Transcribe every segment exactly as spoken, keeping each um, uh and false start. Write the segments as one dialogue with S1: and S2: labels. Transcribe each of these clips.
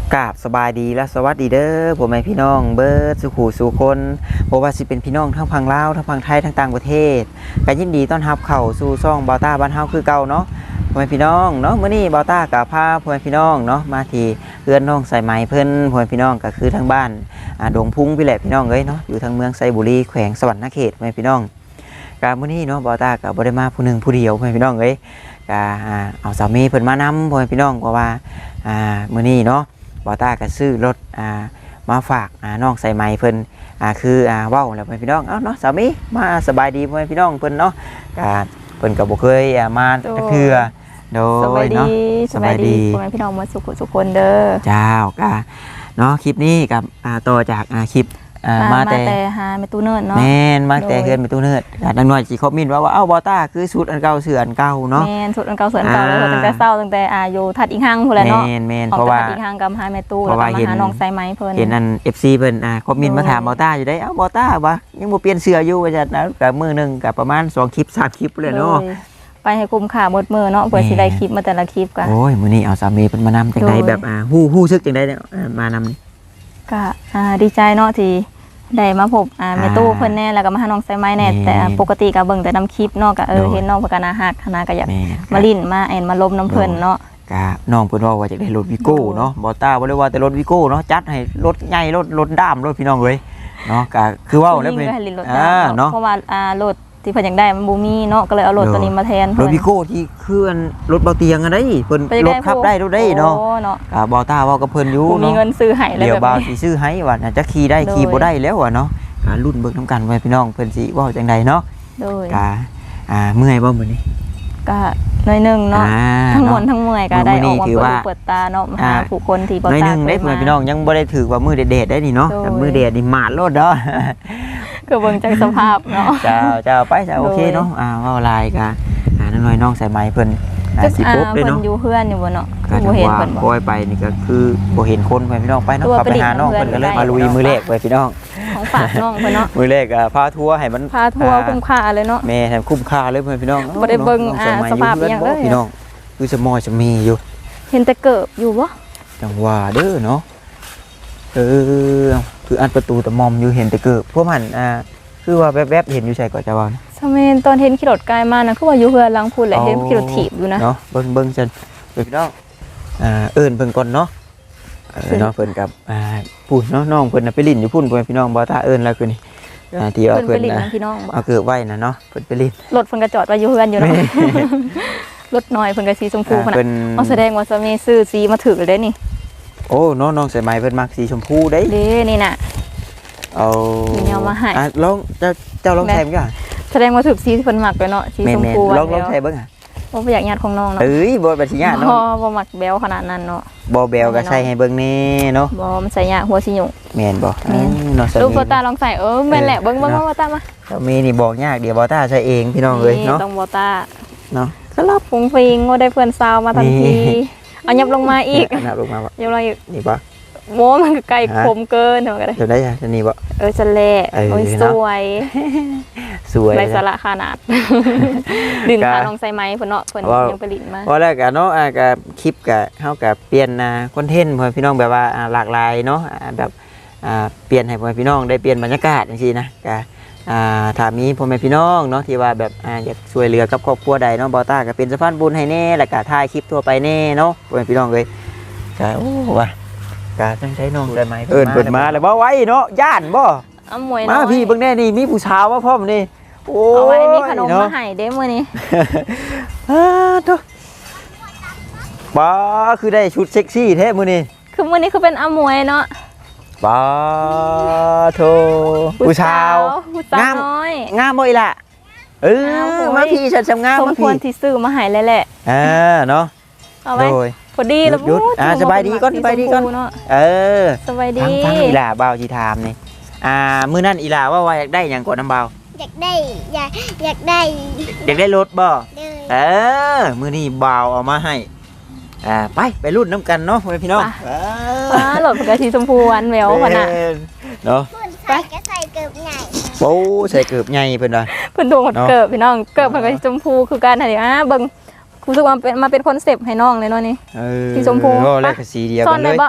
S1: กราบสบายดีและสวัสดีเด้อผมแม่พี่น้องเบิร์ดสุขูสุคนเพราะว่าสิเป็นพี่น้องทั้งพังลาวทั้งพังไทยทั้งต่างประเทศก็ยินดีต้อนรับเข้าสู่ช่องบาต้าบ้านเฮาคือเก่าเนาะพ่อแม่พี่น้องเนาะมื้อนี้บาต้ากับพาพ่อแม่พี่น้องเนาะมาที่เรือนน้องสายไหมเพิ่นพ่อแม่พี่น้องก็คือทั้งบ้านอ่าดงพุงพี่แหละพี่น้องเอ้ยเนาะอยู่ทางเมืองไซบุรีแขวงสวรรณเขตพ่อแม่พี่น้องก็มื้อนี้เนาะบาต้าก็บ่ได้มาผู้หนึงผู้เดียวพ่อแม่พี่น้องเอ้ยก็เอาสามีเพิ่นมานำพ่อแม่พี่น้องเพราะว่าอ่ามื้อนี้เนาะบอต้าก็ซื้อรถอ่ามาฝากอ่าน้องใส่ไม้เพิ่นอ่าคืออ่าว้าวแล้วพ่อพี่น้องเอ้าเนาะสามีมาสบายดีพ่อพี่น้องเพิ่นเนาะก็เพิ่นก็บ่เคยอ่ามาจักเทื่อโดยเนาะ
S2: สบายดีพ่อพี่น้องมาสุขสุขคนเด้อ
S1: เจ้าก็เนาะคลิปนี้กับอ่าต่อจากอ่าคลิปอ่ามาแต่
S2: หาแม่ตู้เนิร์ดเนาะ
S1: แม่นมาแต่เฮือนแม่ตู้เนิร์ดก็ดังน้อยสิคอมเมนต์ว่าว่าเอ้าบอต้าคือชุดอันเก่าเสื้ออันเก่าเนาะ
S2: แม่นชุดอันเก่าเสื้ออันเก่าเลยตั้งแต่เช้าตั้งแต่อาอยู่ทัดอีกห้างพุ่นแหละเนาะ
S1: แม่นแม่นเพราะว่า
S2: อีกห้างกับหาแม่ตู้แล้วก็มาหาน้องไซไม้เพิ่น
S1: เห็นอัน เอฟ ซี เพิ่นอ่าคอมเมนต์มาถามบอต้าอยู่ได้เอ้าบอต้าว่ายังบ่เปลี่ยนเสื้ออยู่ว่าจัดนะก็มื้อนึงก็ประมาณสองคลิปสามคลิปเลยเนาะ
S2: ไปให้คุ้มค่าหมดมื้อเนาะเพื่อสิได้คลิปมาแต่ละคลิปก็
S1: โอ้ยมื้อนี้เอาสามีเพิ่นมานำจังได๋แบบอ่าฮู้ฮู้ซึกจังได๋เนี่ยมานำนี่
S2: ก็อ่าดีใจเนาะที่ได้มาพบอ่าแม่ตู้เพิ่นแน่แล้วก็มาหาน้องไซไม้แน่แต่ปกติก็เบิ่งแต่นำคลิปเนาะก็เออเห็นน้องเพิ่นก็น่าฮักน่าก็อยากมาลิ้นมาแอนมาลมน้ำเพิ่นเนาะ
S1: ก็น้องเพิ่นว่าว่าอยากได้รถวิโก้เนาะบ่ต้าบ่ได้ว่าแต่รถวิโก้เนาะจัดให้รถใหญ่รถรถด้ามรถพี่น้องเอ้ยเนาะก็คือว่าแล้วเพิ่น
S2: อ่าเนาะเพราะว่าอ่ารถที่เพิ่นอยากได้มันบ่มีเนาะก็เลยเอารถตัวนี้มาแทน
S1: รถวิโก้ที่คือรถเบาเตียงอันใดเพิ่นรถขับได้รถได้เนาะก็บ่ต้าว่ากับเพิ่นอยู่
S2: เนาะมีเงินซื้อให้
S1: แล้วเดี๋ยวบ่าวสิซื้อให้ว่าน่าจะขี่ได้ขี่บ่ได้แล้วอ่ะเนาะก็รุ่นเบิ่งนำกันไว้พี่น้องเพิ่นสิเว้าจังไดเนาะ
S2: โดย
S1: ก็อ่าเมื่อยบ่มื้อนี้
S2: ก็หน่อยนึงเนาะทั้งมวลทั้งเมื่อยก็ได้ออกมาเปิดตาเนาะหาผู้คนที่บ่ตาหน่อยนึง
S1: ได้พี่น้องยังบ่ได้ถือว่ามื้อเด็ดๆได้นี่เนาะแต่มื้อเด็ดนี่มาดโลดเนาะ
S2: ก็เบิ่งจากสภาพเนาะ
S1: เจ้าเจ้าไปเจ้าโอเคเนาะอ่าเว้าลายก็อ่าน้อยน้องใส่ไม้เพิ่น
S2: สิปบเลยเนาะเพิ่นอยู่เฮือนอยู่บ่เนาะ
S1: บ่เห็นเพิ่นบ่ปล่อยไปนี่ก็คือบ่เห็นคนเพิ่นพี่น้องไปเนาะขับไปหาน้องเพิ่นก็เลยมาลุยมือแรกไปพี่น้อง
S2: ของฝากน้องเพิ่นเนาะ
S1: มือแรกอ่ะพาทัวร์ให้มัน
S2: พาทัวร์คุ้มค่าเลยเนาะ
S1: แม่ให้คุ้มค่าเลยเพิ่นพี่น้อง
S2: บ่ได้เบิ่งอ่าสภาพอย่างเลย
S1: พี่น้องคือสมอยจะมีอยู่
S2: เห็นแต่เกิบอยู่บ่
S1: จังว่าเด้อเนาะเออคืออันประตูตะมอมอยู่เห็นแต่เกิบพวกมันอ่าคือว่าแวบๆเห็นอยู่ใช่ก่อนจะว่า
S2: สมัยตอนเห็นขี่รถไกลมานะคือว่าอยู่เฮือนหลังพูดแหละเห็นขี่รถถีบอยู่นะ
S1: เนาะเบิ่งเบิ่งจันพี่น้องอ่าเอิ้นเพิ่นก่อนเนาะเออเนาะเพิ่นกับอ่าพูดเนาะน้องเพิ่นน่ะไปลิ้นอยู่พุ่นเพิ่นพี่น้องบ่ถ้าเอิ้นแล้วคือนี่อ่าที่ว่าเพิ่นน่ะเอาเกิดไว้น่ะเนาะเพิ่นไปลิ้น
S2: รถเพิ่นก็จอดไว้อยู่เฮือนอยู่เนาะรถน้อยเพิ่นก็สีชมพูพุ่นน่ะเอาแสดงว่าสามีซื้อสีมาถือเลยนี่
S1: โอ้น้องน้องใส่ไม้เพิ่นมักสีชมพูเด้
S2: เด้นี่น่ะ
S1: เอา
S2: มีแนวมาให้
S1: อ่ะลองเจ้าเจ้าลองใส่มั้ยกัน
S2: แสดงว่าถือสีที่เพิ่นมักไปเนาะสีชมพู
S1: ลองลองใส่เบิ่งอ่ะ
S2: บ่อยากญาติของน้องเนาะ
S1: เอ้ยบ่บ่สิญาติเนาะ
S2: บ่มักแบวขนาดนั้นเนาะ
S1: บ่แบวก็ใส่ให้เบิ่งแน่เนาะ
S2: บ่มันใส่ยากหัวสิหยุ่ง
S1: แม่นบ่
S2: เนาะลูกบ่ตาลองใส่เออแม่นแหละเบิ่งเบิ่งบ่ตามา
S1: เจ้ามีนี่บอกยากเดี๋ยวบ่ตาใส่เองพี่น้องเอ้ยเนาะ
S2: ต้องบ่ตา
S1: เนาะ
S2: ครับฟุ้งฟิงบ่ได้เพื่อนซาวมาทันทีเอายับลงมาอีก
S1: ยับลงมาบ่
S2: ยับลงอีก
S1: นี่บ่
S2: โมมันก็ไกลคมเกินเท่ากัน
S1: จะได้จะนี่บ่
S2: เออจะแลโอ้ยสวย
S1: สวย
S2: ไรสาระขนาดดินพาน้องใส่ไม้เพิ่นเนาะเพิ่นยังไปลิ้นมา
S1: พอแล้วก็เนาะก็คลิปก็เฮาก็เปลี่ยนคอนเทนต์เพื่อพี่น้องแบบว่าหลากหลายเนาะแบบเปลี่ยนให้พ่อพี่น้องได้เปลี่ยนบรรยากาศจังซี่นะก็ถ้ามีพ่อแม่พี่น้องเนาะที่ว่าแบบอยากช่วยเหลือกับครอบครัวใดเนาะบ่ต้าก็เป็นสะพานบุญให้แน่แล้วก็ถ่ายคลิปทั่วไปแน่เนาะพ่อแม่พี่น้องเอ้ยก็โอ้ว่าก็จังได๋น้องได้มั้ยเอิ้นเพิ่นมาแล้วบ่ไว้เนาะย่านบ่
S2: อ้ำมวย
S1: มาพี่เบิ่งแน่นี่มีผู้สาวมาพร้อมนี่
S2: โอ้เอาไว้มีขนมมาให้เด้มื้อนี้
S1: อ้าโตบ่คือได้ชุดเซ็กซี่แท้มื้อนี้
S2: คือมื้อนี้คือเป็นอ้ำมวยเนาะ
S1: บ่โธ่ผู้สาว
S2: งามน้อย
S1: งามบ่อีล่ะเออมาพี่ฉันสำงาม
S2: มาพี่สมควรที่ซื้อมาให้แล้วแหละ
S1: อ่าเนาะ
S2: เอาไว้พอดีแล้ว
S1: พูดอ่าสบายดีก่อนสบายดีก่อนเออ
S2: สบายดี
S1: ทั้งอีหล่าบ่าวสิถามนี่อ่ามื้อนั้นอีหล่าว่าว่าอยากได้หยังก่อนน้ำบ่าว
S3: อยากได้อยากอยากได้
S1: อยากได้รถบ่เออมื้อนี้บ่าวเอามาให้อ่าไปไปรุ่นน้ำกันเนาะพี่น้อง
S2: อ่าหลดกระชีชมพูอันแหววขนาด
S1: เนาะ
S3: ใส่ก็ใส่เกิบใหญ่
S1: โอ้ใส่เกิบใหญ่เพิ่นว่า
S2: เพิ่นโดนเกิบพี่น้องเกิบกระชีชมพูคือการอะไรอ่ะเบิ่งรู้สึกว่าเป็นมาเป็นคอนเซปต์ให้น้องเลยเนาะนี่สีชมพู
S1: ก็แลกสีเดียวกันเลย
S2: ซ่อนได้บ่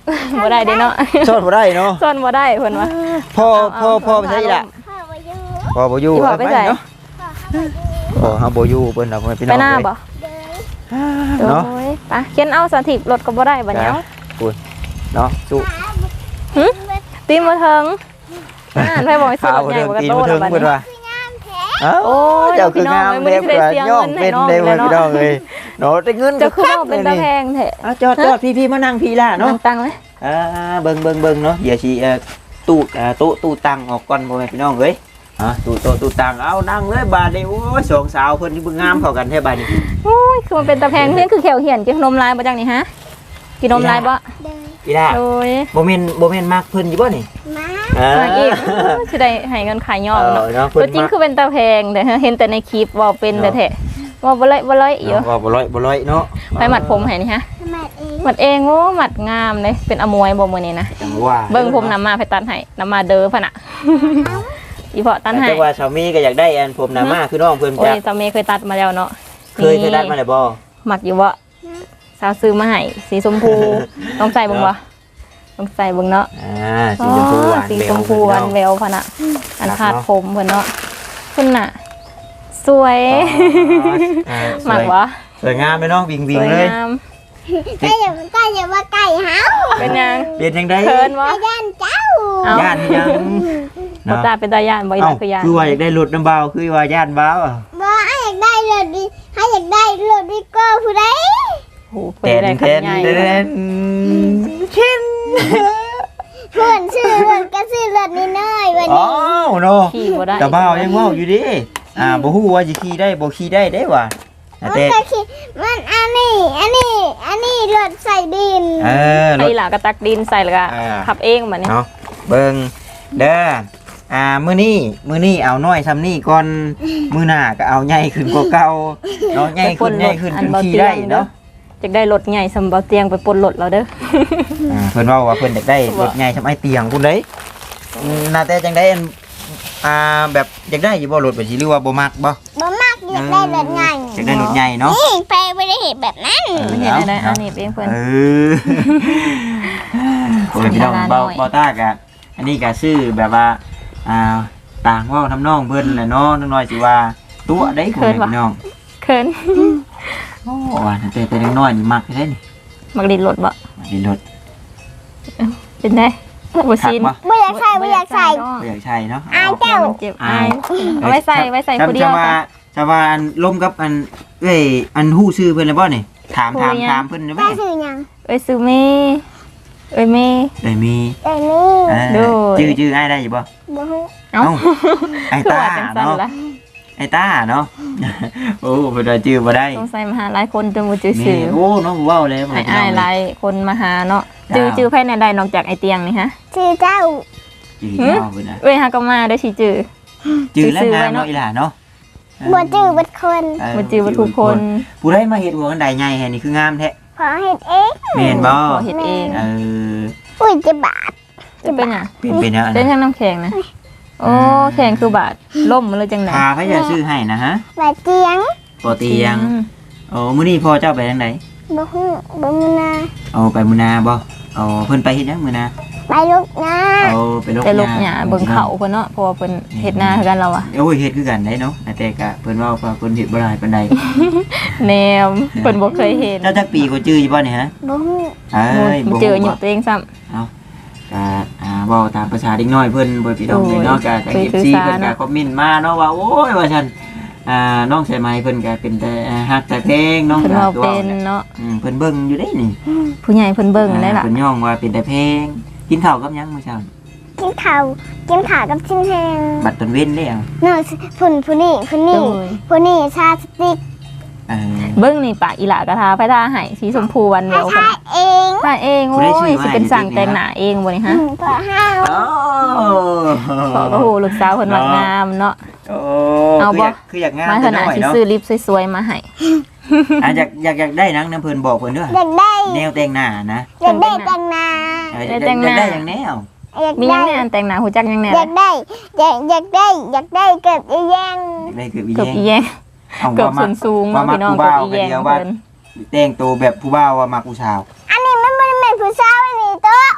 S2: บ่ได้เด้เนาะ
S1: ซ่อนบ่ได้เนาะ
S2: ซ่อนบ่ได้เพิ่นว่า
S1: พ่อพ่อพ่อไปใช่ล่ะ
S3: พ่อมาอยู่
S1: พ่อบ่อยู่
S2: อีพ่อไปไส
S1: เนาะพ่อเฮาบ่อยู่เพิ่นน่ะเพิ่นพี่น้
S2: ไป
S1: อง
S2: หน้า
S1: เอ้ย
S2: บ่
S3: เดิน
S1: เนาะ
S2: โอ้ยไปเขียนเอาสถิตรถก็บ่ได้บัดเนี้ย
S1: เนาะสู้
S2: หึตีบ่ถึงอ่านไปบ่ให้ซื้อรถใหญ่บ่กระโต
S1: ถึ
S2: แล้ว
S1: ง
S2: บัด
S1: เพิ่น
S2: นี้
S1: ว่าเอ้า
S2: โอ้ย
S1: เจ้าคืองาม
S2: พี่
S1: แม่
S2: น้อง
S1: เพิ่นว่า
S2: ไม่ได้เสีย
S1: ย่อม
S2: เงิน
S1: เป็น
S2: ให้
S1: ได้
S2: น้อง
S1: เพิ่นพี่น้องเอ้ยเนาะได้เงิน
S2: เจ้าคือว่าเป็นตาแพงแท้
S1: เอาจอดจอดพี่ๆมานั่งพี่ล่ะ
S2: น้อ
S1: เนาะ
S2: งตังไหม
S1: อ่าเบิ่งเบิ่งเบิ่งเนาะเดี๋ยวสิเอ่อตู้อ่าโต๊ะตู้ตังออกก่อนพ่อแม่พี่น้องเอ้ยฮะตู้โต๊ะตู้ตังเอานั่งเลยบาดนี้โอ้ยสองสาวเพิ่นที่เบิ่งงามเข้ากันแท้บาดนี้
S2: โอ้ยคือมันเป็นตาแพงเพี้ยนคือแขวเหี่ยนกินขนมลายบ่จังนี่ฮะกินนมลายบ่
S3: เดิน
S1: อีล่ะ
S2: โอ้ย
S1: บ่แม่นบ่แม่นมักเพิ่นอยู่บ่นี่
S3: มา
S1: อ่า
S2: มาอีกสิได้ให้เงินขายย่อม
S1: เอ
S2: เนาะ
S1: อเนาะ
S2: ตัวจริงคือเป็นตาแพงแต่เห็นแต่ในคลิปว่าเป็นแต่แท้ว่าบ่เลยบ่เลยอยู่
S1: ว่าบ่ร้อยบ่ร้อยเนาะ
S2: ไปหมัดผมให้นี่ฮะ
S3: ทำไมเอง
S2: หมัดเองโอ้หมัดงามเลยเป็นอมวยบ่มื้อนี้นะ
S1: จังว่า
S2: เบิ่งผมนำมาไปตัดให้นำมาเด้อพะน่ะอีเพาะตัดให้
S1: แต่ว่าสามีก็อยากได้อันผมหน้ามาคือน้องเพิ่น
S2: โอ้
S1: จั
S2: ย
S1: ก
S2: สามีเคยตัดมาแล้วเนาะ
S1: เคยเคยได้มาแล้วบ่
S2: หมักอยู่บ่สาวซื้อมาให้สีชมพูต้องใส่เบิ่งบ่ต้องใส่เบิ่งเนาะ
S1: อ่าสีชมพูหวาน
S2: สี
S1: แว
S2: ช
S1: ว
S2: มพูหวานแว
S1: เ
S2: วพะน่ะอัน
S1: ครับ
S2: ขาด
S1: เนาะ
S2: ผมเพิ่นเนาะคุณน่ะ สวย
S1: อ่า
S2: หมัก
S1: สวย
S2: วะ
S1: สวยงามเลยเนาะวิ่ง
S2: ส
S1: วิ่ง
S2: วย
S1: เลย
S2: งาม
S3: ใกล้อย่าใกล้อย่าว่าไก่เฮา
S2: เป็นยัง
S1: เปลี่ยนจังได๋
S2: เขินวะ
S3: ไอ้ย่านเจ้า
S2: เอ้า
S1: ย่านยัง
S2: บ่ตาเป็นตาย่านบ่อีห
S1: เอ้า
S2: ลักคือย่าน
S1: คือว่าอยากได้รถน้ำเบาคือว่าย่านเบาอ่ะ
S3: บ่ให้อยากได้รถดิให้อยากได้รถดิโก้ผู้ใด
S2: โอ้โหเพิ่นได้คันใหญ่
S1: เต้
S2: เลย
S1: นเช่น
S3: เพื่อนซื้อรถก็ซื้อรถนี่น้อยวัน
S1: อ๋อ
S3: นี้
S1: เนาะ
S2: ขี่บ่ได้
S1: แต่เบายังเว้าอยู่ดิอ่าบ่ฮู้ว่าสิขี่ได้บ่ขี่ได้เด้ว่ะ
S3: มัน
S1: แต่
S3: ก็คิดมันอันนี้อันนี้อันนี้รถใส่ดิน
S1: เออร
S2: ไอ้
S1: ถ
S2: หล่ะก็ตักดินใส่แล้วก็
S1: อ่า
S2: ขับเองบัดนี้
S1: เนาะเบิ่งเด้ออ่ามื้อนี้มื้อนี้เอาน้อยซำนี้ก่อนมื้อหน้าก็เอาใหญ่ขึ้นกว่าเก่าเนาะใหญ่ขึ้นใหญ่ขึ้นจนขี่ได้เนาะ
S2: อยากได้รถใหญ่สำเบาเตียงไปปลดรถเราเด้อ
S1: อ่าเพิ่นเว้าว่าเพิ่นอยากได้รถใหญ่ซำไอ้เตียงพุ่นเด้อืมน่าแต่จังได๋อันอ่าแบบอยากได้อยู่บ่รถแบบสิหรือว่าบ่มักบ่
S3: บ่มากอยากได้รถใหญ่
S1: อยากได้รถใหญ่เนาะ
S3: นี่ไปไม่ได้เห็นแบบนั้น
S2: ไม่เห็นอะไรอันนี้เองเพิ่น
S1: เออโอ้ยพี่น้องเบาเบาตากะอันนี้ก็ซื้อแบบว่าอ่าต่างเว้าทำนองเพิ่นแหละเนาะน้อยๆสิว่าตัวได้คนพี่น้อง
S2: เขิน
S1: โอ้ว่าแต่แต่น้อยๆนี่มักได้นี่
S2: มักดินรถบ่
S1: ดินรถ
S2: เป็นได้บ่
S1: คัก
S2: ชิน
S1: บ่
S3: ไม่อยากใส่ไม่อยากใส่
S1: บ่อยากใช่เนาะ
S3: อายเจ้า
S2: มันเจ็บอายเอาไว้ใส่ไว้ใส่ผู้เดียว
S1: จะว่า
S2: จ้ะ
S1: จะว่าอันล้มกับอันเอ้ยอันฮู้ชื่อเพิ่นแล้วบ่นี่ถามถาม
S2: ฮู้ยัง
S1: ถามเพิ่นได้ไหม
S3: ได้ซื้อหยัง
S2: เอ้ยซื้อเมเอ้ยเม
S1: ได้มี
S3: แต่นี่
S1: เออ
S2: โดย
S1: ชื่อชื่ออ้ายได้อยู่บ่
S3: บ่ฮู้
S2: เอ้า
S1: ไอ้
S2: คือ
S1: ตา
S2: ว่าจังซั่น
S1: เนาะ
S2: ล่ะ
S1: ไอ้ตาเนาะ โอ้เพิ่นว่าชื่อบ่ได้
S2: สงสัยมาหาหลายคนจนบ่จื้อ
S1: แม่
S2: ชื่อ
S1: โอ้เนาะเว้าเลย
S2: ไอ้อ้ายหลายคนมาหาเนาะจื้อจื้อไผในใดนอกจากไอ้เตียงนี่ฮะ
S3: ชื่อเจ้า
S1: ชื่อเจ้าเพิ่นน่ะ
S2: เอ้ยฮาก็มาได้สิจื้อ
S1: ชื่อแล้ว
S2: ชื่อไว้
S1: งาม
S2: เนาะ
S1: เนาะอีหล่าเนาะ
S3: บ่จื้อเบัดคน
S1: เ
S2: บ่จื้อบ่ทุกคน
S1: ผู้ใดมาเฮ็ดหัวกันใดใหญ่แฮ่นี่คืองามแท้
S3: ขอเฮ็ดเอง
S1: แม่นบ่
S2: ขอเฮ็ดเอง
S1: เออ
S3: อุ้ยจะบาด
S2: จะเป็นหยัง
S1: เป็นเป็นแล้ว
S2: เป็น
S1: นะ
S2: ทั้งน้ำแข็งนะโอ้แข็งคือบาดล่มมันเลยจังได๋
S1: พาพระยาชื่อให้นะฮะ
S3: บาดเจียง
S1: ปอเตียงโอ้มื้อนี้พ่อเจ้าไปทางไหน
S3: บ่ฮู้บ่มีนา
S1: เอาไปมื้อนาบ่เอาเพิ่นไปเฮ็ดหยังมื้อนา
S3: ไปลูกนะ
S1: เอาไปลก
S2: แต่ลกหญ้าเบิ่งเขาเพิ่นเนาะเพราะว่าเพิ่นเฮ็ดนาคือกันเราอะ
S1: โอ้ยเฮ็ดคือกันได้เนาะแต่ก็เพิ่นเว้าว่าเพิ่นเฮ็ดบ่ได้ปานใด
S2: แนวเพิ่นบ่เคยเห็น
S1: เจ้าจักปีก็จื้ออยู่บ่นี่ฮะ
S3: บ่ฮู้
S1: เอ้ย
S2: บ่
S1: บ่
S2: เจออยู่ตัวเองซ้ำ
S1: ก็อ่าเว้าตามภาษาเด็กน้อยเพิ่นบ่พี่น้องเนาะก็ทาง
S2: โอ้ย
S1: เอฟซี
S2: สื่อสาร
S1: เพิ่นก็
S2: เนาะ
S1: คอมเมนต์มาเนาะว่าโอ้ยว่าซั่นอ่าน้องใส่ไม้เพิ่นก็เป็นแต่ฮักแต่เพลงเนาะ
S2: เพิ่นเว้า
S1: ตัว
S2: เป็นเนาะ
S1: อืมเพิ่นเบิ่งอยู่ได้นี่
S2: ผู้ใหญ่เพิ่นเบิ่งได้ล่ะ
S1: เพิ่นย่องว่าเป็นแต่เพลงกินข้าวกับหยังมื้อเช้า
S3: กินข้าวกินข้าวกับชิ้นแห้ง
S1: บัดตอนเว้นได้เอา
S3: เนาะพุ่นผู้นี้ผู้
S2: โด
S3: นี้
S2: ย
S3: ผู้นี้ชาสติก
S1: เออ
S2: เบิ่งนี่ปากอีหลากระทาไปทาให้สีชมพูวันเดียว
S3: ชา
S2: เพิ่น
S3: เอง
S2: ถ้าเองโอ้ยสิเป็นสั่งแต่งหน้าเองบ่นี่ฮะ
S3: พอห้าว
S1: โอ้
S2: ขอก็โหลูกสาวเพิ่นมักงามเนาะ
S1: โอ้
S2: เอาบ่
S1: คืออยากคืออยากงาม
S2: มาข
S1: แต่
S2: นาด
S1: น้อย
S2: สิ
S1: เนาะ
S2: ซื้อลิปสวยๆมาให้
S1: อ่ะอยากอยากอยากได้หนังน้ำเพิ่นบอกเพิ่นด้วย
S3: อยากได้
S1: แนวแต่งหน้านะ
S3: อยากได้แต่งหน้า
S1: เอออยากได้อยากได้อย่างแนว
S3: อยาก
S2: มีหยั
S3: ได้
S2: งแน่อันแต่งหน้าหูจักหยังแน่
S3: อยากได้อยากอยากได้อยากได้เกิดอีแยง
S1: อยากได้เกือบอี
S2: เกือบ
S1: แยง
S2: อีแยง
S1: เอา
S2: เกือบ
S1: ว่า
S2: ส่
S1: มั
S2: วนสูง
S1: ว่า
S2: เนาะ
S1: มัก
S2: พี่น้อง
S1: ผู้
S2: เกือบ
S1: บ่าว
S2: อี
S1: กั
S2: แย
S1: น
S2: ง
S1: เดียวว่า
S2: เพิ่น
S1: แต่งตัวแบบผู้บ่าวว่ามักผู้ชาว
S3: อันนี้มันมันเป็นผู้สาวอันนี้ตัว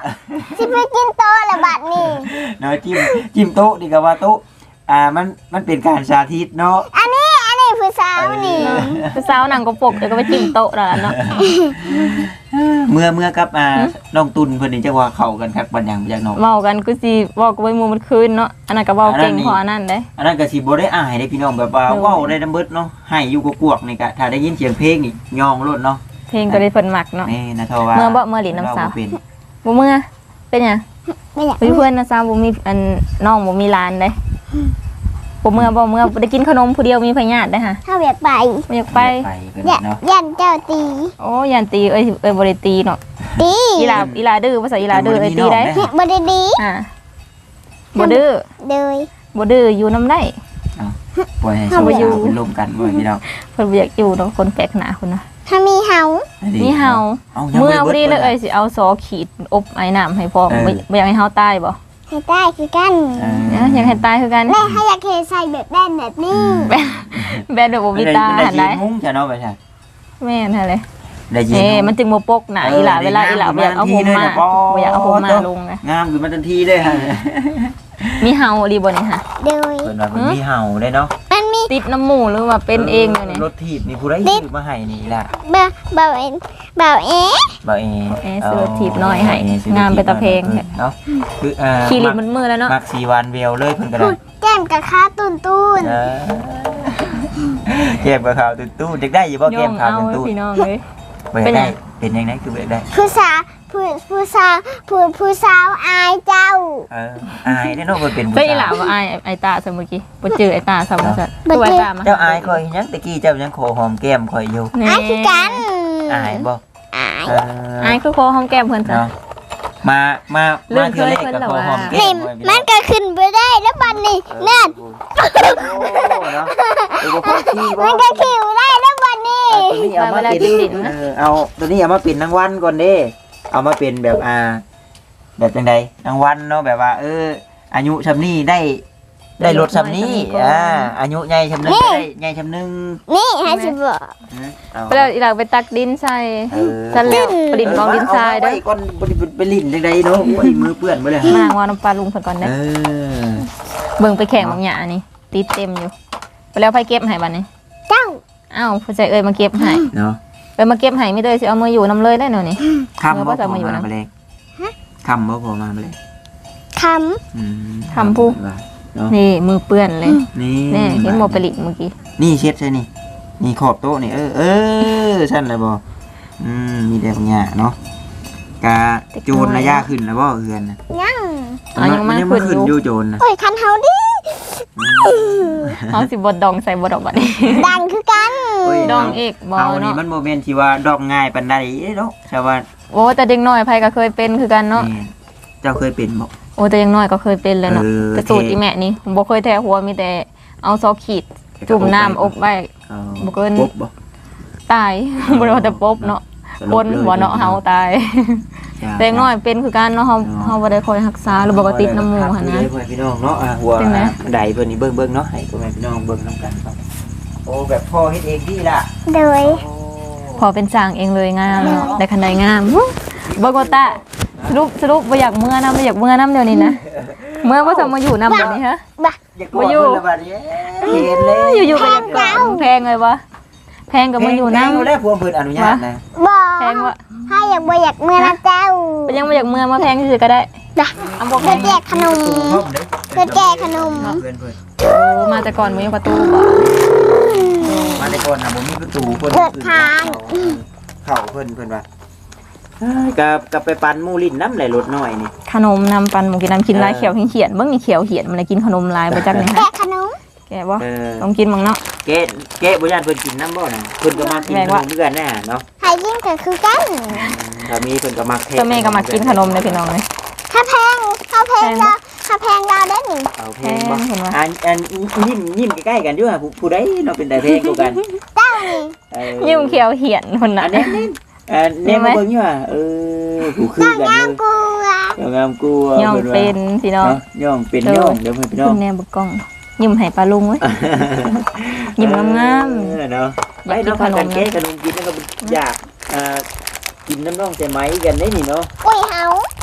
S3: สิไปกินโตละบัดนี่
S1: เนาะจิ้มจิ้มโต๊ะดีกว่าโต๊ะอ่ามันมันเป็นการสาธิตเนาะ
S3: อันนี้อันนี้ผู้สาวนี่
S2: ผู้สาวนั่งก็ปกเดี๋ยวก็ไปจิ้มโต๊ะแล้วล่ะเนาะ
S1: เมื่อเมื่อกับอ่าน้องตุนเพิ่นนี่จังว่าเข้ากันครับบัดหยังจากน้อง
S2: เว้ากันกูสิเว้ากับไว้หมู่มันคืนเนาะอันนั้นก็เว้าเก่งพออันนั้นเด้
S1: อันนั้นก็สิบ่ได้อายเด้พี่น้องแบบว่าเว้าได้นำเบิดเนาะให้อยู่กวกๆนี่ก็ถ้าได้ยินเสียงเพลงนี่ย่องโลดเนาะ
S2: เพลงก็ได้เพิ่นมักเนาะ
S1: นี่นะเท่าว่า
S2: เมื่อบ่เมื่อหลินน้ำสาว
S1: เรเป็น
S2: บ่เมื่อเป็นหยัง
S3: ไม่อยาก
S2: ไปเพื่อนนะสาวบ่มีอันน้องบ่มีหลานเด้บ่เมื่อบ่เมื่อได้กินขนมผู้เดียวมีพยาธิเด้อค่ะ
S3: ถ้าอยากไป
S2: บ่อยากไป
S1: ไปเพิ่น
S3: อยาก
S1: เนาะ
S3: ยันเจ้าตี
S2: โอ้ยันตีเอ้ยเอ้ยบ่ได้ตีเนาะ
S3: ตี
S2: อีหลาอีหลาดื้อภาษาอีหลาดื้อเอ้ยตีได้
S3: เฮ็ดบ่ได้ดี
S2: อ่าบ่ดื้อ
S3: เลย
S2: บ่ดื้ออยู่นำได้
S1: ปล่อยให้
S3: เอา
S1: สาว
S3: ไปอยู่
S1: ๆเป็นลมกันบ่พี่น้อง
S2: เพิ่นบ่อยากอยู่เนาะคนแปลกหน้าคนน่ะ
S3: ถ้ามีเฮา
S2: มีเห่า
S1: ยัง
S2: เมื่อ
S1: บ่
S2: พอ
S1: ได้
S2: ดี
S1: บิ
S2: เลยเอ้ยสิเอาซอขีดอบไอ้น้ำให้พ่อ
S1: เออ
S2: บ่บ่อยากให้เฮาตายบ่
S3: ให้ได้คือกัน
S1: เออ
S2: เอ้ยอยากให้ตายคือกัน
S3: แม่ให้อยากเทใส่แบบแบนแบบนี้
S2: แบนแบนแบบบ่มีตา
S1: ได้
S2: หัน
S1: ยิ
S2: ได้
S1: นมุ้งจ้ะเนาะไปใช่
S2: แม่นหั่นเลย
S1: ได้ยิน
S2: เอ้
S1: มุ้ง
S2: มันจึงบ่ปกหน้าอีหล่าเวลาอีหล่าบ่อยากเอาผมมาบ่อยากเอาผมมาลงไง
S1: งามขึ้นมาทันทีเลยฮะ
S2: มีเห่าดีบ่นี่ฮะ
S3: โดย
S1: เพิ่นว่ามันมีเห่าได้เนาะ
S3: มันมี
S2: ติดน้ำหมูหรือว่าเป็นเองอยู่นี่
S1: รถถีบนี่ผู้ใดซื้อมาให้นี่ล่ะ
S3: เบาเบาเอ็นเบาเอ๊ะ
S1: บ่เอ
S2: เอ้ซื้อถีบน้อยให้งามไปตะเพง
S1: เนาะคืออ่า
S2: ขี่ลิบมันมือแล้วเนาะ
S1: มักสีวานเวลเลยเพิ่นก็ได้
S3: แก้มกับขาตุนตุน
S1: เออเก็บกับข่าวตู้ๆเด็กได้อยู่บ่
S2: ย่
S1: เก็
S2: อบ ง
S1: ข่าว
S2: เอา
S1: ตู้
S2: พี่น้องเลย
S1: บ่
S2: เป็นไง
S1: ได้เป็นยังไงคือบ่ได้
S3: ผู้สาวผู้ผู้สาวผู้ผู้สาวอายเจ้า
S1: เอออายได้เนาะบ่เป็นผู้
S2: เจ้าอีหล่า
S1: สาว
S2: ว่าไอ้ไอ้ตาซะเมื่อกี้บ่เจอไอ้ตาซะว่าซั่น
S3: บ่
S2: ตัว
S3: เจอ
S2: ไอ้ตามา
S1: เจ้าอายข่อยยังตะกี้เจ้ายังขอหอมแก้มข่อยอยู่
S2: นี่
S3: อายคือกัน
S1: อายบ่
S3: อาย
S1: เอ
S2: ไอ้
S1: อ
S2: คือคอหอมแก้มเพิ่นซะ
S1: เนาะมามา
S2: เรื่
S1: มา
S2: อง
S1: เทื่อแรก
S2: เคยเพิ่น
S1: ก็
S2: เหรอ
S1: ขอ
S2: วะ
S1: หอมแก้
S3: นี่
S1: มข่อย
S3: มันก็ขึ้นไปได้แล้วบัดนี้นั่น
S1: โอ้เนาะเออบ่พอขี้บ่
S3: มันก็ขิวได้แล้วบัดนี้
S1: ตัวนี้เอามาเป็นเออเอาตัวนี้เอามาเป็นรางวัลก่อนเด้เอามาเป็นแบบอ่า แบบจังใดรางวัลเนาะแบบว่า เออ อายุชำนี้ได้ ได้รถชำนี้อ่าอายุใหญ่ชำนึงก็ได้ใหญ่ชำนึง
S3: นี่ให้สิบอก
S1: เอา
S2: ไปแล้วอีหล่าไปตักดินใส่
S1: เออ
S2: ซั่นแล้วไปดินกองดินทรายเด้อ
S1: เอไว้ก่อนบ่ได้ไปลิ้นจังใดเนาะโอ้ยมือเปื้อนบ่เลย
S2: มางว่าน้ำปลาลุงเพิ่นก่อนเด้
S1: เออ
S2: เบิ่งไปแข่งบางอย่างนี่ติดเต็มอยู่ไปแล้วไผเก็บให้บัดนี้
S3: เจ้า
S2: อ้าวผู้ใจเอ้ยมาเก็บให้
S1: เนาะ
S2: เอ้ยมาเก็บให้ไม่ได้สิเอามืออยู่นํเลยได้เนาะนี่
S1: คำบ่
S2: เออว่า
S1: พ
S2: จะ
S1: อ
S2: มาอยู่
S1: มา
S2: นะ
S1: ไปเลยคำบ่พอมาไปเลย
S3: ค
S1: อืม
S2: คำผู้
S1: ว่าเนาะ
S2: นี่มือเปื้อนเลย
S1: นี่
S2: แน่เห็นโมไปลิเมื่อกี้
S1: นี่เช็ดใช่นี่นี่ขอบโต๊ะนี่เออเออชั้นเลยบ่อืมมีแต่บางอย่างเนาะกาโจรระยะขึ้นแล้วบ่เฮือนน่ะ
S3: ำยัง
S2: อ๋อยังมา
S1: ยัง
S2: ขึ้
S1: มาน ขึ้น
S2: อ
S1: อยู่ ยู่โจรน่ะ
S3: โอ้ยคันเฮาดิ
S2: เขาสิบดดองใส่บดออกบัดนี้
S3: ดังคือกัน
S1: โอ้ย
S2: ดองเอกบอ
S1: เฮานี่
S2: เนาะ
S1: มันบ่แม่นสิว่าดอกง่ายปานใดเนาะชาวบ้าน
S2: โอ้แต่เด็กน้อยไผก็เคยเป็นคือกันเนาะ
S1: แม่เจ้าเคยเป็นบ่
S2: โอ้แต่ยังน้อยก็เคยเป็นแล้วเนาะ
S1: เออ
S2: แต่สูตรอีแม่นี่ผมบ่เคยแท้หัวมีแต่เอาซอขีดจุ่มน้ำอบไว้
S1: เอา
S2: บ่เกิน
S1: ปุ๊บบ่
S2: ตาย บ่ได้ว่าแต่ปบเนาะ
S1: สล
S2: บน
S1: ลย
S2: บ่เนาะเฮาตาย
S1: จ้า
S2: แต่ยังน้อยเป็นคือกันเนาะเฮาเฮาบ่ได้คอยรักษาหรือบ่ก็ติดน้ำหมูหั่นนะ
S1: เด้อพ่อแม่พี่น้องเนาะอ่าหัว
S2: เป็นไง
S1: บันไดเพิ่นนี่เบิ่งๆเนาะให้พ่อแม่พี่น้องเบิ่งนํกันครับโอ้แบบพ่อเฮ็ดเองดีล่ะ
S3: โดย
S1: โอ้
S2: พอเป็นสร้างเองเลยงามเนาะได้คันใดงามวู้บ่ก็ตาสรุปสรุปบ่อยากเมื่อนะบ่อยากเมื่อนํเดี๋ยวนี้นะเมื่อบ่จะมาอยู่นำบัดนี้ฮะ
S1: อย่ากลัวเพิ่นละบัดนี้เห็นเลย
S2: อยู่ๆก็อยากกอดแพงเลยบ่แพงก็มาอยู่นำ
S1: แพงแล้วพวกเพิ่นอนุญาตนะ
S3: บอ
S2: แพงว่า
S3: ถ้าอยากบ่อยากเมื่อนะเจ้า
S2: เป็นยังบ่อยากเมื่อมาแพงซื่อๆก็ได้
S3: จ้ะ
S2: เอาบ่แพ
S3: เพื่อง แจกขนม เพื่อแจกขนม
S1: เพิ่นเพิ่น
S2: โอ้มาแต่ก่อนบ่มีประตูบ่
S1: มาแต่ก่อนน่ะบ่มีประตูเพิ่น
S3: เปิดทาง
S1: เข้าเพิ่นเพิ่นว่าเอ้ยกับกับไปปั่นหมู่ลิ้นน้ำไหลรถน้อยนี่
S2: ขนมนำปันหมูกินน้ำกินลายเขียวเขียนๆเบิ่งนี่เขียวเขียนมันเลยกินขนมลายบ่จักนี่
S3: แจ
S2: ฮะ
S3: กขนม
S2: แกบ่
S1: เออ
S2: ต้องกินมั่งเนาะ
S1: แกะแกะบ่ย่านเพิ่นกินน้ำบ่น่ะเพิ่นก็มากิน
S2: แม่
S1: ข
S2: ว่า
S1: นมเหมือนกันแน่เนาะ
S3: ใครยิ่งก็คือกัน
S1: ถ้ามีเพิ่นก็มักเท
S2: เจ้าแม่ก็มากินขนมเลยพี่น้องเลย
S3: ถ้าแพงถ้าแพงเราถ้าแพงเราได้หนึ่ง
S1: เอาเพลงบ่
S2: แพงเห็นว่า
S1: อันอันยิ้มยิ้มใกล้ๆกันอยู่อ่ะผู้ผู้ใดเนาะเป็นแต่เพลงกูกัน
S3: เจ้านี่
S1: เออ
S2: ยิ้มเขียวเขียนคนน่ะ
S1: อันนี้นี่เอ่อเนี่ยมาเบิ่งอยู่อ่ะเออผู้คือกัน
S3: งาม
S1: เลย
S3: กูอ่ะ
S1: เจ้างามกูะ
S2: ย่อง
S1: พิ่ว่า
S2: เป็นพี่น้อง
S1: เนาะย่องเป็น
S2: เออ
S1: ย่องเดี๋ยวเพิ่นพี่น้อ
S2: คุ
S1: ง
S2: ณแนบกล้องยิ้มให้ปลาลุงเว้ย ยิ้มงามๆ
S1: เออเนาะ
S2: อ
S1: ไป
S2: ยากกิน
S1: เนาะพากัน
S2: ขนม
S1: แก้ขนมกินแล้วก็อยากอ่ากินน้ำน้องใส่ไหมกันได้นี่เนาะ
S3: อุ้ยเฮา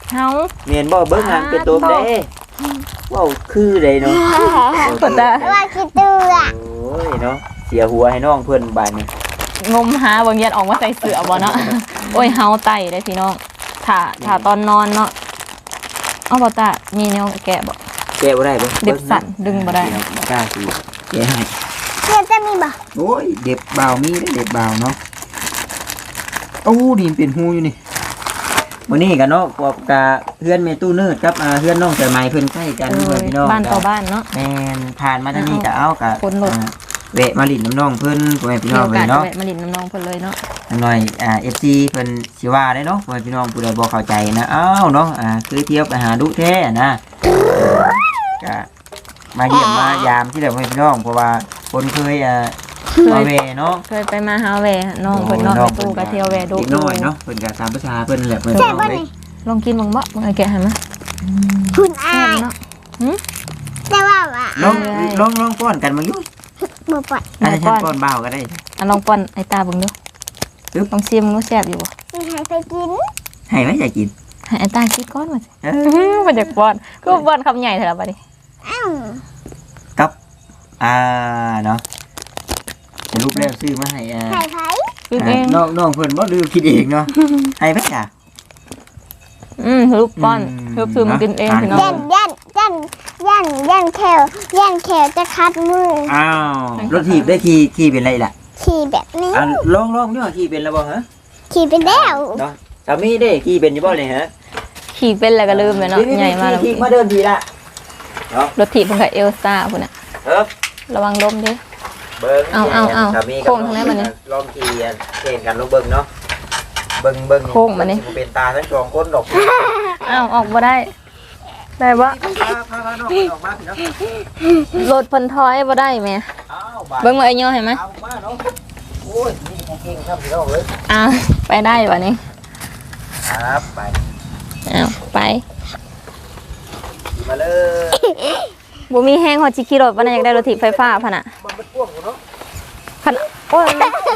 S2: เฮา
S1: เมียนบ่เบิ่งหางเป็นตัวเด้เว้าคือใดเนาะ
S2: เปิดตา
S3: ว่าคิดตัว
S1: โอ้ยเนาะเสียหัวให้น้องเพิ่นบาดนี้
S2: งมหาบางยันออกมาใส่เสื้อบ่เนาะ โอ้ยเฮาไตได้พี่น้องถ้าถ้าตอนนอนเนาะเอาบ่ตามีแนวแกะบ่
S1: แกะบ่ได้บ่
S2: เด็บสั่นดึงบ่ได้
S1: บ่กล้าสิแกะให้
S3: เพื่อนจะมีบ่
S1: โอ้ยเด็บเบามีได้เด็บเบาเนาะโอ้ดีมันเป็นหูอยู่นี่มื้อนี้กันเนาะกับกะเพื่อนแม่ตู้เนิร์ดกับอ่าเพื่อนน้องสายไหมเพิ่นใกล้กัน
S2: เอ
S1: เพิ่
S2: อน
S1: พี่น้อง
S2: บ้านต่อบ้านเนาะ
S1: แม่นผ่านมาทางนี้ก็เอากะ
S2: คนหลบ
S1: อ่าแวะมาลิ้นน้ำน้องเพิ่นพ่อแม่พี่
S2: มี
S1: น้อง
S2: โอ
S1: เล
S2: กาส
S1: ย
S2: จะ
S1: เนาะ
S2: แวะมาลินน้องๆเพิ่นเลยเนาะ
S1: หน่อยอ่า เอฟ ซี เพิ่นสิว่าได้เนาะพ่อแม่พี่น้องผู้ใดบ่เข้าใจนะอ้าวเนาะอ่าคือเที่ยวไปหาดุแท้นะก็มาเยี่ยมมายามที่เด้อพ่อแม่พี่น้องเพราะว่าคนเคยอ่า
S2: เค
S1: มาย แวเนาะ
S2: เคยไปมาหาแวน้องเพิ่นเนาะไปตู้ก็เที่ยวแวดู
S1: เด็กน้อยเนาะเพิ่นก็ตามภาษาเพิ่นนั่นแหละเพิ่นน้องเลย
S2: ลองกินบ้างบ่บ่ไอ้แกะให้มา
S3: คุณอา
S2: แซ่บ
S3: ย
S2: เนาะ
S3: แต่ว่าว่า
S1: ลองลองลองป้อนกันมาอยู่
S3: บ่ปล่อย
S1: อาจจะ
S2: ป้อน
S1: ป้อนบ่าวก็ได้
S2: อ่ะลองป้อนไอ้ตาเบิ่งดู
S1: ปึ๊บ
S2: ลองชิมดูแซ่บอยู่บ่
S3: มีใครไปกิน
S1: ให้ไหมอยากกิน
S2: ให้ไอ้ตาคิดก่อนว่าสิ
S1: เออ
S2: บ่อยากป้อนคือป้อนคำใหญ่เถอะล่ะบัดนี้
S3: อ้าว
S1: กับอ่าเนาะสรุปแล้วซื้อมาให้อ่า
S3: ใครไผ
S2: คิดเอง
S1: น้องน้องเพิ่นบ่ลืมคิดเองเนาะให้ไหมจ้ะ
S2: อืมรูปป้อน
S1: อืม
S2: รูปซื้อมากินเองพี่น้อ
S3: ยั
S2: ง
S3: นยันยันยันยันแขวยันแขวจะคัดมือ
S1: อ้าวรถถีบได้ขี่ขี่เป็นไรล่ะ
S3: ขี่แบบนี้
S1: อ่ะลองลองดูว่าขี่เป็นแล้วบ่ฮะ
S3: ขี่ไปแล้ว
S1: เนาะสามีเด้ขี่เป็นอยู่บ่เลยฮะ
S2: ขี่เป็นแล้วก็ลืมเลยเนาะ
S1: นี่
S2: ใหญ่มากแล้ว
S1: ขี่มาเดินทีละเนาะ
S2: รถถีบเพิ่นก็เอลซ่าพุ่นน่ะ
S1: เอิบ
S2: ระวังล้มเด้
S1: เบิ่ง
S2: เอาเอาเอา
S1: สามีกับ
S2: โค้งทางไหนมาเนี่ย
S1: ลองขี่อ่ะเก่งกันลองเบิ่งเนาะเบิ่งเบิ่ง
S2: โค้งมานี่
S1: สิบ่เป็นตาทั้งสองคนดอก
S2: อ้าวออกบ่ได้ ได้บ่
S1: พาพาพาน้องออกมาพี่เนาะ
S2: รถเพิ่นถอยบ่ได้แหม่
S1: อ้าวบาด
S2: เบิ่งมาไอ้ย่อให้มั้ย
S1: เอามาเนาะโอ้ยนี่ของเก่งครับพี่น้องเอ้ย
S2: อ่าไปได้บ่นี่
S1: ครับไป
S2: อ้าวไป
S1: ขี่มาเลย
S2: บ่มีแฮงฮอดสิขี่รถบ่น่ะอยากได้รถถีบไฟฟ้าพุ่นน่ะ
S1: มันมันพ่วงอยู่เนาะ
S2: คันโอ้ย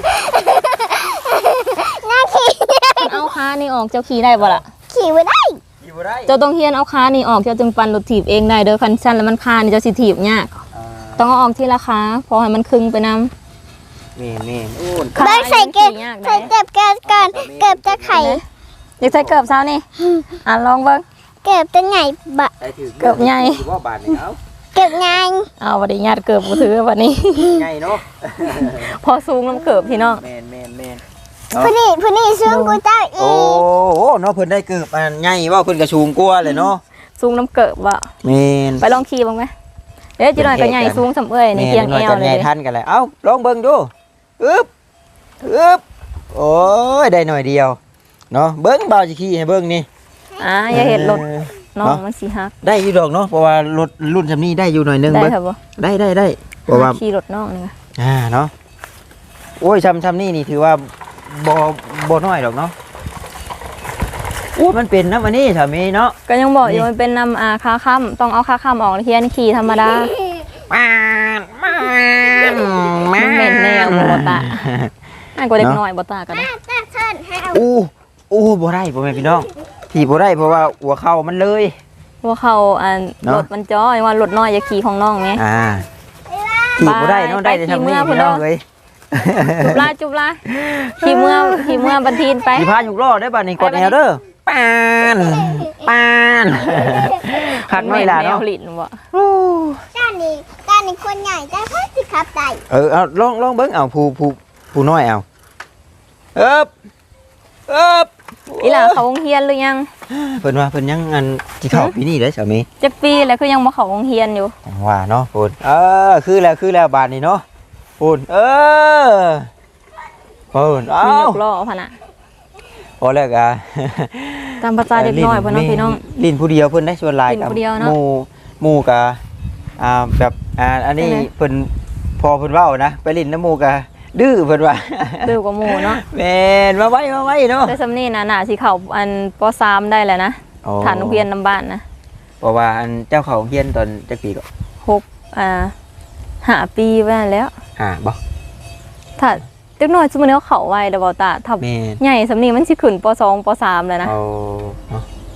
S3: น่าขี่
S2: คันเอาขานี่ออกเจ้าขี่ได้บ่ล่ะ
S3: ขี่ไม่ได้
S1: ขี่บ่ได้
S2: เจ้าต้องเฮียนเอาขานี่ออกเจ้าจึงปั่นรถถีบเองได้เด้อคันชั้นแล้วมันคานี่เจ้าสิถีบยาก
S1: อ่า
S2: ต้องเอาออกทีละขาพอให้มันครึ่งไปนำ
S1: นี่นี่โอ้ย
S3: ได้ใส่เก็บใส่เก็บเก็บก่อนเก็บจะไข่
S2: อยากใส่เกือบเช้านี่อ่ะลองเบิ่ง
S3: เก็บจะไงบะ
S1: ได้ถือ
S2: เกือบใหญ่
S1: ถือว่าบาทนี่เอา
S3: เก็บไง
S2: เอาบ่ได้ญาติเกือบบ่ถือบัดนี้
S1: ไงเนาะ
S2: พอสูงน้ำเกือบพี่น้อง
S1: แมนแมนแมน
S3: ผู้นี้ผู้นี้ซึ่งกูเจ้าอี
S1: โอ้โหเนาะเพิ่นได้เกือบอันไงว่าเพิ่นกระชูงกลัวเลยเนาะ
S2: สูงน้ำเกือบว่ะ
S1: แมน
S2: ไปลองขี่บ้างไหมเดี๋ยวจีหน่อยก็ใหญ่สูงสำเอ้ยในเพียง
S1: แม่
S2: แอ
S1: น้
S2: ว
S1: อย
S2: เล
S1: กันใหญ่
S2: ย
S1: ทันกันเลยเอ้าลองเบิ่งดูอึ๊บอึ๊บโอ้ยได้หน่อยเดียวเนาะเบิ่งเบาสิขี่ให้เบิ่งนี่
S2: อ่าอย่าเห็นรถ
S1: ออ
S2: น้อง
S1: เนาะ
S2: มันสีฮัก
S1: ได้อยู่ดอกเนาะเพราะว่ารถรุ่นซำนี้ได้อยู่หน่อยนึง
S2: ได้
S1: เบิ่ง
S2: ครับบ่
S1: ได้ได้ได้เพราะว่า
S2: ขี่รถน้องนี่
S1: อ่าเนาะโอ้ยชำชำนี่นี่ถือว่าบ่บ่น้อยดอกเนาะโอ้มันเป็นน้ำอันนี้สามีเนาะ
S2: ก็ยังบอกอยู่
S1: นี่
S2: มันเป็นนำอาคาค่ำต้องเอาคาค่ำออกเฮียนขี่ธรรมดา
S1: มามามา
S2: มันเหม็นแนวบ่ตาอันกว่าเด็กน้อยบ่ตาก็ได้
S3: ตาเชิญให้เอา
S1: อู้อู้บ่ได้พ่อแม่พี่น้องที่บ่ได้เพราะว่าหัวเข่ามันเลย
S2: ว่าเขาอัน
S1: เนาะ
S2: รถมันจ้อยว่ารถน้อยอย่าขี่ของน้องไง
S1: อ่าที่บ่ได้เนาะ
S2: ไป
S1: ได้แต่ทำนี่
S2: ไปขี่เมื่อ
S1: พี่น้อง
S2: พุ่นเนาะ
S1: เลย
S2: จุบลาจุบลาขี่เมื่อขี่เมื่อบันทีนไป
S1: สิพายุกล้อได้บัดนี้กดแนวเด้อปานปานคักน้อยล่ะเนาะ
S2: แมวลิ้นบ่
S3: ด้านนี้ด้านนี้คนใหญ่ได้เพิ่สิครับได้
S1: เออเอาลองลองเบิ่งเอาผู้ผู้ผู้น้อยเอาเอิบเอิบ
S2: อีหล่าเขาโรงเรียนหรือยัง
S1: เพิ่นว่าเพิ่นยังอันสิเข้าปีนี้เด้อสามี
S2: จักปีแล้วคือยังบ่เข้าโรงเรียนอยู่
S1: ว่าเนาะพูนเออคือแล้วคือแล้วบาทนี้เนาะพูนเออพูนเอ้า
S2: มียกล้อพะน่ะ
S1: พอแล้วอ่ะ
S2: ตามภาษาเด็กน้อยเพิ่นเนาะพี่น้อง
S1: ลิ้นผู้เดียวเพิ่นได้ส่วนหลาย
S2: ลิ้น
S1: กับ
S2: ผู้เดียวเนาะ
S1: หมู่หมู่กะอ่าแบบอ่าอันนี้
S2: ใช่ไหม
S1: เพิ่นพอเพิ่นเว้านะไปลิ้นน้ำหมู่กะดื้อเพิ่นว่า
S2: ดื้อกว่าหมู่เนาะ
S1: แม่นมาไว้มาไว้เนาะ
S2: แต่สำนี้น่ะน่าสิเข้าอันป สามได้แล้วนะ
S1: โอ้
S2: ฐานโรงเรียนนำบ้านนะ
S1: เพราะว่าอันเจ้าเขาเฮียนตอนจักปีก็
S2: หกอ่าห้าปีไว้แล้ว
S1: อ่าบ่
S2: ถ้าเด็กน้อยซุมื้อนี้เขาเข้าไวแล้วบ่ตาถ้า
S1: แม่น
S2: ใหญ่สำนี้มันสิขึ้นป สองป สามแล้วนะ
S1: เอาเนาะ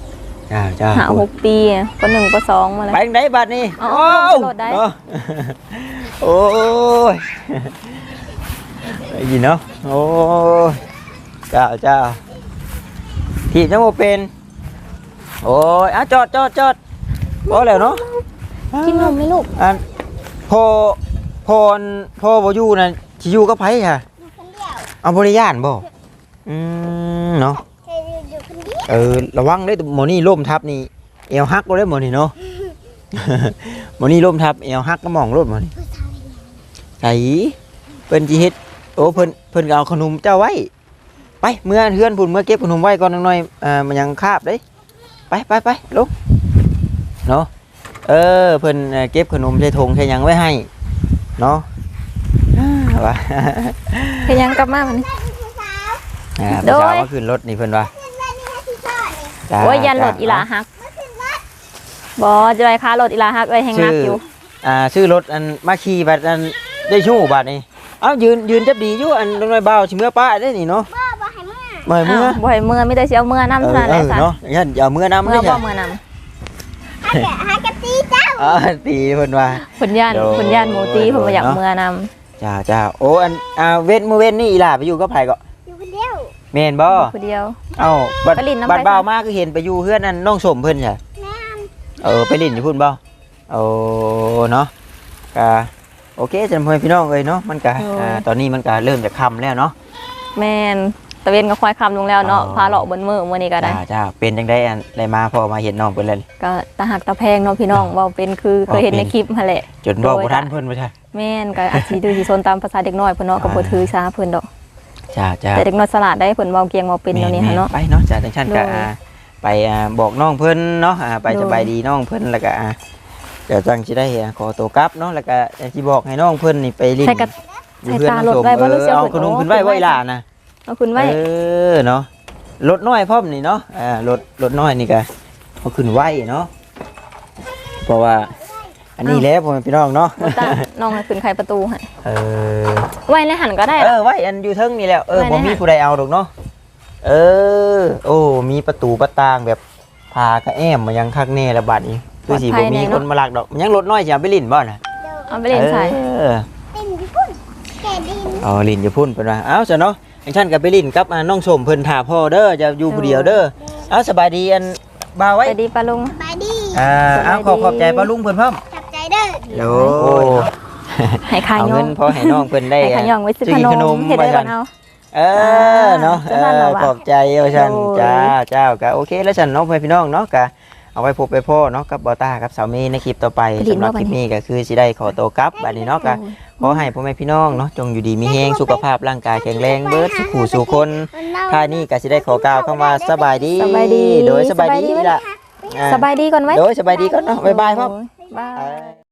S1: จ้าจ้า
S2: หาหกปีปหนึ่งปสองมาเลย
S1: ไปทางไหนบัดนี้
S2: เอาเอาลงสลดได้
S1: เนาะโอ้ยได้ยินเนาะโอ้ยจ้าจ้าที่จังบ่เป็นโอ้ยอ่ะจอดจอดจอดพอแล้วเนาะ
S2: กินนมไหมลูก
S1: อันพอพอนพอบ่อยู่นั่นสิอยู่กับไผค่ะ
S3: อยู่คนเดียว
S1: เอาบ่ได้ย่านบ่อืมเนาะ
S3: เคยอยู่คนเดียว
S1: เออระวังเด้อหมอนี่ล่มทับนี่เอวหักบ่ได้หมอนี่เนาะ หมอนี่ล่มทับเอวหักก็มองรถหมอนี่
S3: ผู้ชาย
S1: ไสเพิ่นสิเฮ็ดโอ้เพิ่นเพิ่นก็เอาขนมเจ้าไว้ไปเมื่อเฮือนพุ่นเมื่อเก็บขนมไว้ก่อนจักหน่อยอ่ามันยังคาบเด้ไปไปไปลงเนาะเออเพิ่นเอ่อเก็บขนมใส่ถุงใส่หยังไว้ให้เนาะ ว่า
S2: เฮ็ดหยังกลับมาบัดนี้
S3: ผู้สาว
S1: อ่า
S2: โด
S1: ผู้สาวย มาขึ้นรถนี่เพิ่นว่า
S3: ขึ้นมานี่ให้พี่ก่อนนี่
S1: จ้า
S2: โอ้ยยันรถ
S1: จ้
S2: อีหลาฮักบ่จะไปค้ารถอีหลาฮักเอ้ยแฮงนักอยู่
S1: อ่าชื่อรถอันมาขี่บัดอันได้ชู้บัดนี่เอ้ายืนยืนจับดีอยู่อันน้อยเบาสิเมื่อป้าได้นี่เนาะ
S3: บ่บ่ให้เมื่อ
S1: เมื่อ
S2: อ้า
S1: เมื่อ
S2: วบ่ให้เมื่อมีแต่สิเอาเมื่อนำ
S1: เอ
S2: เท่า
S1: อ
S2: นั้นแห
S1: เอ
S2: ละ
S1: อ
S2: ซะ
S1: เนาะอย่าอย่าเมื่อนำ
S2: เมื่
S1: ไม่
S2: อบ่
S1: ใช่
S2: เมื่อนำ
S3: ให้แกให้กะตีเจ้า
S1: อ๋อตีเพิ่นว่า
S2: เพิ่นย่าน
S1: โดย
S2: เพิ่นย่านหมูตีเพิ่นบ่อยาก
S1: เนาะ
S2: เมื่อนำ
S1: จ้าจ้าโอ้อันอ่าเว้นมื้อเว้นนี่อีหล่าไปอยู่กับไผก็
S3: อยู่คนเดียว
S1: แม่นบ่
S2: ผู้เดียว
S1: เอ้าบัด
S2: ไปลิ้นน้ำ
S1: บัด
S2: ไผ
S1: บ่าวมาคือเห็นไปอยู่เฮือนนั่นน้องสมเพิ่นใช่
S3: แม่น
S1: เออไปลิ้นอยู่พุ่นบ่โอ้เนาะก็โอเคจังพ่อพี่น้องเอ้ยเนาะมันก็อ่าตอนนี้มันก็เริ่มจะค่ำแล้วเนาะ
S2: แม่นตะเวนก็ควายคำลงแล้วเนาะ
S1: อ๋อ
S2: พาเลาะบนมือมื้อนี้ก็ได้
S1: จ้าจ้าเป็นจังได๋อันได้มาพอมาเห็นน้องเพิ่นแล้ว
S2: ก็ตาหักตาแพงเนาะพี่น้องเว้าเป็นคือเคยเห็นในคลิปหั่นแหละ
S1: จนบอก
S2: โดย
S1: บ่ทันเพิ่นบ่ใช่
S2: แม่นก็อาจสิดื้อสิซนตามภาษาเด็กน้อยเพิ่นเนาะก็บ่ถือสาเพิ่นดอก
S1: จ้าจ้า
S2: แต่เด็กน้อยสลัดได้เพิ่นเว้าเกียงเว้าเป็นเดี๋ยวนี้หั่นเนาะ
S1: ไปเนาะจ้าจังซั่นก็
S2: โดย
S1: อ่าไปอ่าบอกน้องเพิ่นเนาะอ่าไป
S2: โดย
S1: สบายดีน้องเพิ่นแล้วก็อ่าเดี๋ยวจังสิได้อ่าขอตัวกลับเนาะแล้วก็สิบอกให้น้องเพิ่นนี่ไปลิ้น
S2: ใส่กระ
S1: อยู่เพื่อน
S2: ใส่ตา
S1: น้องสม
S2: รถไว้บ่รู้
S1: เอ
S2: เสี
S1: อย เอา
S2: เพิ่น
S1: ขนม
S2: โอ้
S1: ขึ้นไว้
S2: ขึ้นไว้
S1: ไว้อีหล่านะ
S2: เอาคุณไว้
S1: เออเนาะรถน้อยพร้อมนี่เนาะอ่ารถรถน้อยนี่ก็เอาขึ้นไว้เนาะเพราะว่าอันนี้แหล้วพ่อแม่พี่น้องเนาะ
S2: บ่ตาน้องให้ขึ้นไขประตูให้
S1: เออ
S2: ไว้ในหันก็ได้
S1: เอ
S2: ล่ะ
S1: อไว้อันอยู่เทิงนี่แหล้วเออ
S2: ไว้
S1: บ่
S2: ใน
S1: มี
S2: นั้น
S1: ผู้ใดเอาดอกเนาะเออ โอ้มีประตูประตางแบบพากระแอมมายังคักแน่ละบัดนี้คือสิบ่มีคนมาลักดอกมันยังรถน้อยสิเอาไปลิ้นบ่น่ะ
S3: เดี๋ยว
S2: เอาไปเล่นใส่
S1: เออ
S3: ติ่มที่พุ่นแกดิน
S1: อ๋อลิ้นอยู่พุ่นเพิ่นว่าเอ้าซะเนาะอย่างฉันก็ไปลิ้นกับอ่าน้องสมเพิ่นท่าพ่อเด้อจะอยู่ผู้เดียวเด้อเอ้าสบายดีอันบ่าวไว้
S2: ไปดีปะลุง
S3: บายดี
S1: อ่าเอาขอขอบใจป้าลุงเพิ่นพร้อม
S3: จับใจเด้อ
S1: โอ้
S2: ให้ขาย
S1: เอา
S2: ย่อ
S1: เงิ
S2: ง
S1: นพอให้น้องเพิ่นได้
S2: ให้ขายย่องไว้ซื้อขนมเฮ็ด
S1: ไว้
S2: ได้
S1: กั
S2: ก่อน นเอา
S1: เออเนาะเอ
S2: จะสั่นเหร
S1: อ
S2: อวะ
S1: ขอบใจเอาฉัน
S2: โอ้ย
S1: จ้าเจ้าก็โอเคแล้วฉันเนาะเพื่อนพี่น้องเนาะก็เอาไว้พบไปพ่อเนาะกับบอต้ากับสาวเมย์ในคลิปต่อไปสำหรับคลิปนี้ก็คือสิได้ขอตัวกลับบัดนี้เนาะก็ขอให้พ่อแม่พี่น้องเนาะจงอยู่ดีมีแฮงสุขภาพร่างกายแข็งแรงเบิดสุขหูสู่คนท่านี้ก็สิได้ขอกล่าวคำว่าสบายดี
S2: สบายดี
S1: โดยสบายดี
S2: สบายดี
S1: ล่ะอ่า
S2: สบายดีก่อนไหม
S1: โดยสบายดีก่อนเนาะบ๊ายบายพ่อ
S2: โอ้ยบาย